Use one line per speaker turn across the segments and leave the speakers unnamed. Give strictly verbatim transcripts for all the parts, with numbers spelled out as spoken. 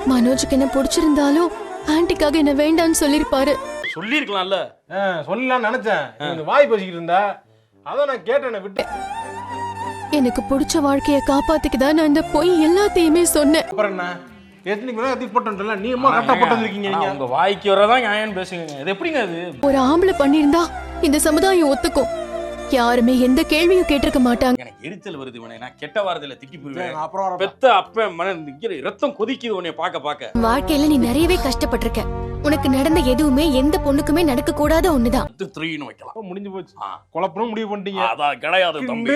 மனோஜுக்கு என்ன பிடிச்சிருந்தாலும் ஆன்ட்டிக்காக என்ன வேண்டான்னு சொல்லிருப்பாரு.
சொல்லிருக்கலாம்ல.
சொல்லலாம்னு நினைச்சேன், வாய் பேசிக்கிட்டு இருந்தா அதான் நான் கேட்டேன் விட்டு.
எனக்கு பிடிச்ச வாழ்க்கைய காப்பாத்திக்கதான் நான் இந்த பொய் எல்லாத்தையுமே சொன்னேன்.
அப்புறம் என்ன நீ அம்மா கரெக்டா போட்டு வந்திருக்கீங்க. நீங்க
உங்க வாய்க்கு வரதான் நியாயம் பேசுங்க. இது எப்படிங்க அது?
ஒரு ஆம்பளை பண்ணிருந்தா இந்த சமுதாயம் ஒத்துக்கும். யாருமே எந்த கேள்வியும் கேட்டிருக்க மாட்டாங்க.
எனக்கு எரிச்சல் வருது உன்னை. நான் கெட்ட வாரத்துல திக்கி போடுவேன். அப்புறம் பெத்த அப்ப மன ரத்தம் கொதிக்குது உன்னை பாக்க பாக்க.
வாழ்க்கையில நீ நிறையவே கஷ்டப்பட்டிருக்க. உனக்கு நடந்த எதுவுமே எந்த பொண்ணுக்குமே நடக்க கூடாத ஒண்ணுதான்.
வைக்கலாம்.
முடிஞ்சு போச்சு. குழப்பம் முடிவு பண்ணிட்டீங்க.
அதான் கிடையாது தம்பி.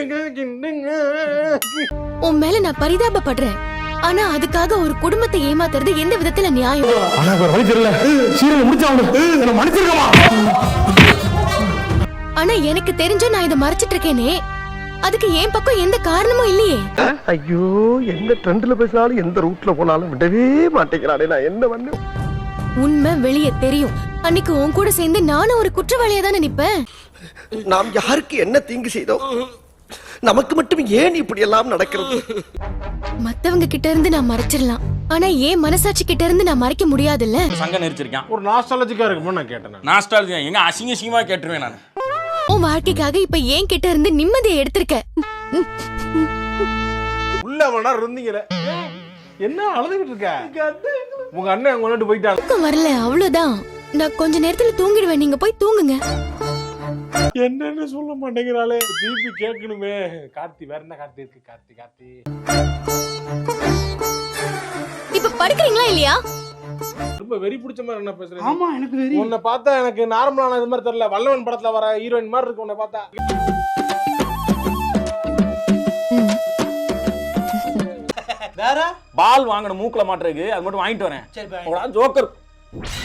உன் மேல நான் பரிதாபப்படுறேன். ஆனா அதுக்காக ஒரு குடும்பத்தை ஏமாத்துறது எந்த விதத்துல நியாயம்?
ஆனா ஒரு வழி தெரியல. சீரியல் முடிச்சாவணும். மன்னிச்சிருக்கமா?
ஆனா எனக்கு தெரிஞ்ச நான் இதை மறைச்சிட்டு இருக்கேனே, அதுக்கு என் பக்கம் எந்த காரணமும் இல்லையே.
ஐயோ, எந்த ட்ரெண்ட்ல பேசினாலும் எந்த ரூட்ல போனாலும் விடவே மாட்டேங்கிறானே, நான் என்ன பண்ண?
உண்மை வெளியே தெரியும். அன்னைக்கு உன் கூட சேர்ந்து நானும் ஒரு குற்றவாளியா தானே நிப்பேன்.
நாம் யாருக்கு என்ன தீங்கு செய்தோம்? நமக்கு மட்டும் ஏன் இப்படி எல்லாம் நடக்கிறது?
மத்தவங்க கிட்ட இருந்து நான் மறைச்சிடலாம், ஆனா ஏன் மனசாட்சி கிட்ட இருந்து நான் மறைக்க முடியாதுல்ல.
சங்க நெரிச்சிருக்கேன்.
ஒரு நாஸ்டாலஜிக்கா இருக்குமோ நான் கேட்டேன்.
நாஸ்டாலஜியா எங்க அசிங்க அசிங்கமா கேட்டுருவேன் நான்.
உன் வாழ்க்கைக்காக இப்ப ஏன் கிட்ட இருந்து நிம்மதியை எடுத்திருக்க.
உள்ள வேணா இருந்தீங்களே, என்ன அழுதுகிட்டு இருக்க? உங்க அண்ணன் அங்க கொண்டு போயிட்டாங்க.
தூக்கம் வரல, அவ்வளவுதான். நான் கொஞ்ச நேரத்துல தூங்கிடுவேன், நீங்க போய் தூங்குங்க.
என்னன்னு சொல்ல மாட்டேங்கிறாளே, திருப்பி கேட்கணுமே. கார்த்தி வேற என்ன கார்த்தி இருக்கு? கார்த்தி கார்த்தி
இப்ப படுக்கிறீங்களா இல்லையா?
ரொம்ப வெறி பிடிச்ச மாதிரி என்ன பேசுறீங்க?
ஆமா, எனக்கு வெறி.
உன்னை பார்த்தா எனக்கு நார்மலான இது மாதிரி தெரியல. வல்லவன் படத்துல வர ஹீரோயின் மாதிரி இருக்கு உன்னை பார்த்தா.
வேற
பால் வாங்கணும் மூக்குல மாட்டுறதுக்கு, அது மட்டும் வாங்கிட்டு வரேன்.
சரி,
ஜோக்கர்